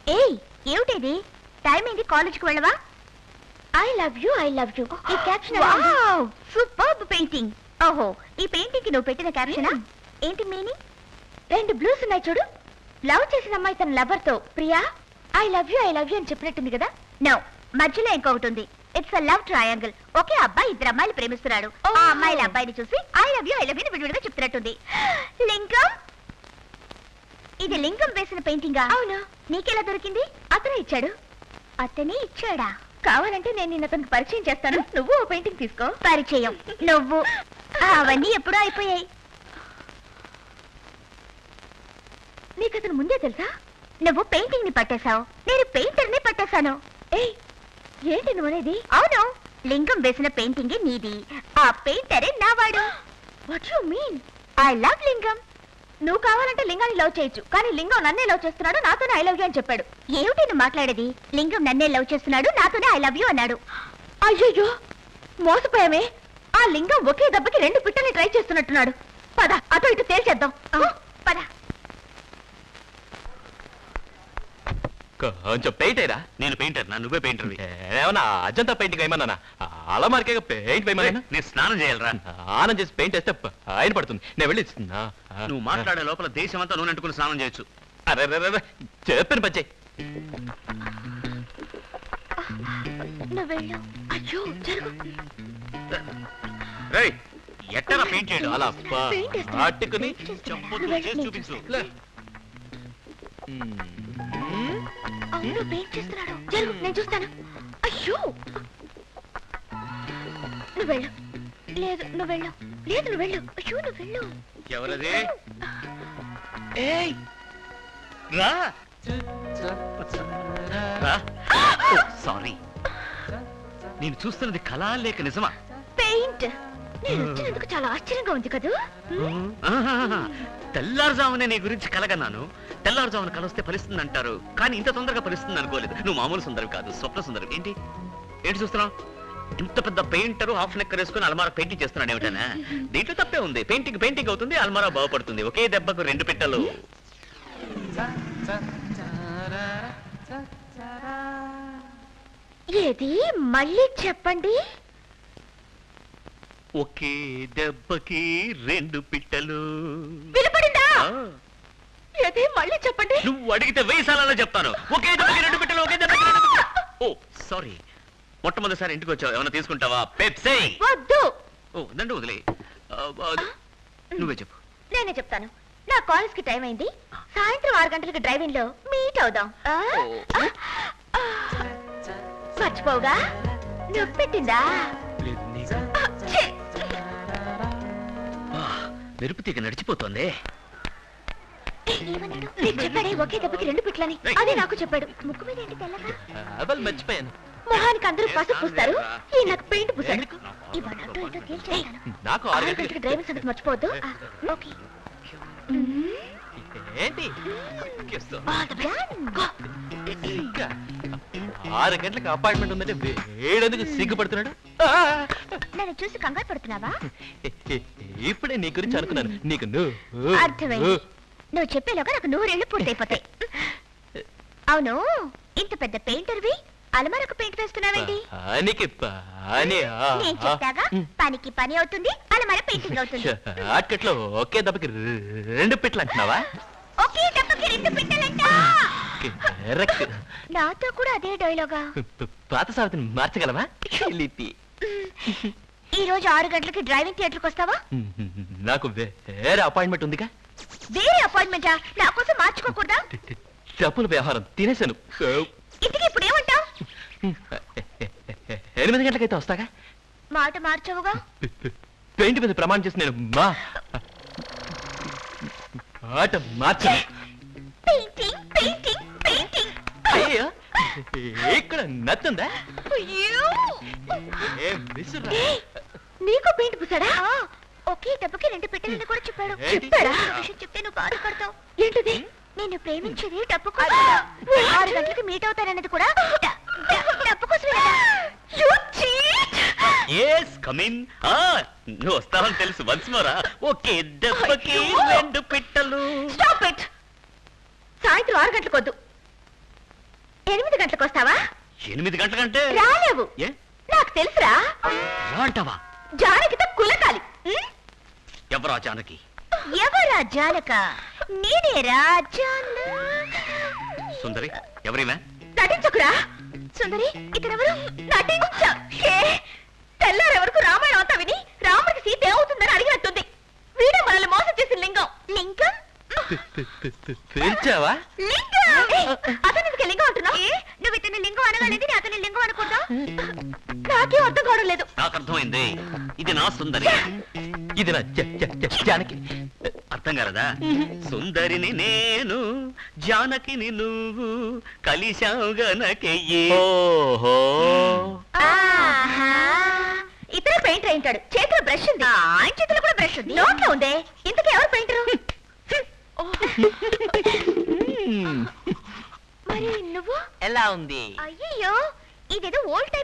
ఏయ్ ఏమిటిది? టైం ఏంటి? కాలేజ్కి వెళ్ళవా? ఐ లవ్ యూ ఈ క్యాప్షన్ సూపర్బ్ పెయింటింగ్. ఓహో, ఈ పెయింటింగ్ కి నువ్వు పెట్టిన క్యాప్షనా? ఏంటి మీనింగ్? 2 బ్లూస్ ఉన్నాయి చూడు. లవ్ చేసిన అమ్మాయి తన లవర్ తో ప్రియా ఐ లవ్ యూ అని చెప్పినట్టుంది కదా. నో, మధ్యలో ఇంకొకటి ఉంది. It's a love triangle. ఒకే అబ్బాయి 2 అమ్మాయిలు ప్రేమిస్తున్నాడు. ఆ అమ్మాయిల అబ్బాయిని చూసి ఐ లవ్ యూ విడివిడిగా చెప్తున్నట్టుంది. లింగం, ఇది లింగం వేసిన పెయింటింగా? అవును. నీకెలా దొరికింది? అతనే ఇచ్చాడు. అతనే ఇచ్చాడా? కావాలంటే నేను నిన్న అతనికి పరిచయం చేస్తాను. నువ్వు ఓ పెయింటింగ్ తీసుకో. పరిచయం నువ్వు? అవన్నీ ఎప్పుడూ అయిపోయాయి. నీకు అతను ముందే తెలుసా? నువ్వు పెయింటింగ్ ని పట్టేశావు, నేను పెయింటర్ ని పట్టేశాను. ఏయ్, ఏంటి నువ్వు అనేది? అవును, లింగం వేసిన పెయింటింగ్ నీది, ఆ పెయింటరే నావాడు. What you mean? I love Lingam. నువ్వు కావాలంటే లింగాన్ని లవ్ చేయొచ్చు, కానీ లింగం నన్నే లవ్ చేస్తున్నాడు, నాతోనే ఐ లవ్ యూ అని చెప్పాడు. ఏమిటి నువ్వు మాట్లాడేది? లింగం నన్నే లవ్ చేస్తున్నాడు, నాతోనే ఐ లవ్ యూ అన్నాడు. అయ్యో, మోసపోయామే. ఆ లింగం ఒకే దెబ్బకి 2 పిట్టల్ని ట్రై చేస్తున్నట్టున్నాడు. పద, అటు ఇటు తేల్చేద్దాం. పద. కొంచెం పెయింటేరా? నేను పెయింటర్ నా, నువ్వే పెయింటర్. ఏమన్నా అజంతా పెయింటింగ్ వేయమన్నా? అలమారికే పెయింట్ వేయమన్నా? నేను స్నానం చేయాలరా. స్నానం చేసి పెయింట్ వేస్తే ఆయన పడుతుంది. నేను వెళ్ళి నువ్వు మాట్లాడే లోపల దేశం అంతా నూనె అంటుకుని స్నానం చేయొచ్చు. అరే చెప్పాను పచ్చే. ఎట్టరా పెయింట్ చేయడం? అలా పట్టుకుని చూపించు. నేను చూస్తాను. అయ్యో, నువ్వు వెళ్ళు. లేదు నువ్వు వెళ్ళు. లేదు నువ్వు వెళ్ళు. అయ్యో నువ్వు వెళ్ళు. ఎవరది? ఏయ్ రా. సారీ, నేను చూస్తున్నది కళా లేక నిజమా? పెయింట్. నేను వచ్చినందుకు చాలా ఆశ్చర్యంగా ఉంది కదా. తెల్లారుజామునే నీ గురించి కలగన్నాను. తెల్లారుజామున కలొస్తే ఫలిస్తుంది అంటారు, కానీ ఇంత తొందరగా ఫలిస్తుంది అనుకోలేదు. నువ్వు మామూలు సుందరం కాదు, స్వప్న సుందరం. ఏంటి ఏంటి చూస్తున్నావు? ఇంత పెద్ద పెయింటర్ హాఫ్ నెక్కర్ వేసుకుని అల్మారా పెయింటింగ్ చేస్తున్నాడు ఏమిటనా? దీంట్లో తప్పే ఉంది. పెయింటింగ్ అవుతుంది, అల్మారా బాగుపడుతుంది. ఒకే దెబ్బకు 2 పిట్టలు. ఏది మళ్ళీ చెప్పండి. ఒకే దెబ్బకి 2 పిట్టలు. వినపడిందా? ఏది మళ్ళీ చెప్పండి. నువ్వు అడిగితే 1000 సార్లు చెప్తాను. ఒకే దెబ్బకి 2 పిట్టలు, ఒకే దెబ్బకి 2 పిట్టలు. ఓ సారీ, మొట్టమొదటిసారి ఇంటికి వచ్చావు. ఏమైనా తీసుకుంటావా? పెప్సీ. వద్దు. ఓ దండు వదిలే. నువ్వే చెప్పు. నేనే చెప్తాను. నా కాలేజ్ కి టైం అయింది. సాయంత్రం 6 గంటలకి డ్రైవింగ్ లో మీట్ అవుదాం. మర్చిపోవుగా? నువ్వు పెట్టిందా? మెరుపు తీగ నడిచిపోతుంది. చెప్పాడే ఒకే దెబ్బకి 2 పిట్లని. అదే నాకు చెప్పాడు. ముక్కు మీద ఏంటి తెల్లగా? మర్చిపోయాను. మొహానికి అందరూ పసుపు పూస్తారు, ఈ నాకు పెయింట్ పూసాడు. నాకు 6 గంటలకి డ్రైవింగ్ సంగతి మర్చిపోవద్దు. ఓకే. ఏంటి 6 గంటలకు అపాయింట్మెంట్ ఉందంటే వేడెందుకు సిగ్గుపడుతున్నాడు? నన్ను చూసి కంగారు పడుతున్నావా? ఇప్పుడే నీ గురించి అనుకున్నాను. నీకు అర్థమైంది. నువ్వు చెప్పేలోగా నాకు 100 ఏళ్ళు పూర్తయిపోతాయి. అవును, ఇంత పెద్ద పెయింటర్వి అలమారకు పెయింట్ వేస్తున్నావేంటి? నేను చెప్తాగా, పనికి పని అవుతుంది, అలమార పెయింటింగ్ అవుతుంది. అట్కట్లో ఒకే దెబ్బకి 2 పిట్టలు అంటున్నావా? ఒకే దెబ్బకి 2 పిట్టలంట. నాతో కూడా అదే డైలాగా. పాత సావిత్రిని మార్చగలవా? ఈ రోజు 6 గంటలకి డ్రైవింగ్ థియేటర్కి వస్తావా? నాకు వేరే అపాయింట్మెంట్ ఉందిగా. వేరే అపాయింట్మెంటా? నా కోసం మార్చుకోకూడదా? డబ్బుల వ్యవహారం తినేశాను. ఇంటికి ఇప్పుడు ఏమంటావు? 8 గంటలకైతే వస్తాగా. మాట మార్చవుగా. పెయింట్ మీద ప్రమాణం చేసి నేను మాట మార్చను. అయ్యో, ఇక్కడ నచ్చుందా? నీకు పెయింట్ పూసాడా? ఒకే దెబ్బకి 2 పెట్టెలని కూడా చెప్పాడు. చెప్పాడా? విషయం చెప్తే నువ్వు బాధపడతావు. ఏంటిది? నేను ప్రేమించేది డబ్బు కోసం. 6 గంటలకి మీట్ అవుతానన్నది కూడా డబ్బు కోసమే. నువ్వు వస్తావని తెలుసు. వన్స్ మోరా. ఒకే దెబ్బకి 2 పిట్టలు. సాయంత్రం 6 గంటలకు వద్దు. 8 గంటలకు వస్తావా? 8 గంటలకంటే రాలేవు. ఏ నాకు తెలుసురా. రా అంటావా? జానకితో కులకాలి. ఉం? ఎవరా జానకి? ఎవరా జానక? నేనేరా జాన. సుందరి ఎవరివే? నటించకురా. సుందరి ఇక్కడెవరు? నటించే. తెల్లారే వరకు రామాయణం అంతా విని రాముడికి సీత ఏమవుతుందని అడిగినట్టుంది. వీడే మనల్ని మోసం చేసిన లింగం. లింగం? పేల్చావా? లింగం! అతను ఎందుకు లింగం అంటున్నావు? నువ్వు ఇతని లింగం అనగానేది నేను అతని లింగం అనుకుంటా. నాకేం అర్థం కావడం లేదు. నాకు అర్థమైంది. ఇది నా సుందరి. ఇది నా జానకి. అర్థం కాలదా? సుందరిని నేను, జానకిని నువ్వు, కలిశావు గనకెయ్యి. ఓహో ఆహా! ఇతర పెయింటర్ అయింటాడు. చేతిలో బ్రష్ ఉంది. ఆయన చేతిలో కూడా బ్రష్ ఉంది. నోట్లో ఉందే. ఇంతకీ ఎవరు పెయింటరు? మరి నువ్వు ఎలా ఉంది? అయ్యయ్యో, ఇదేదో ఓల్డ్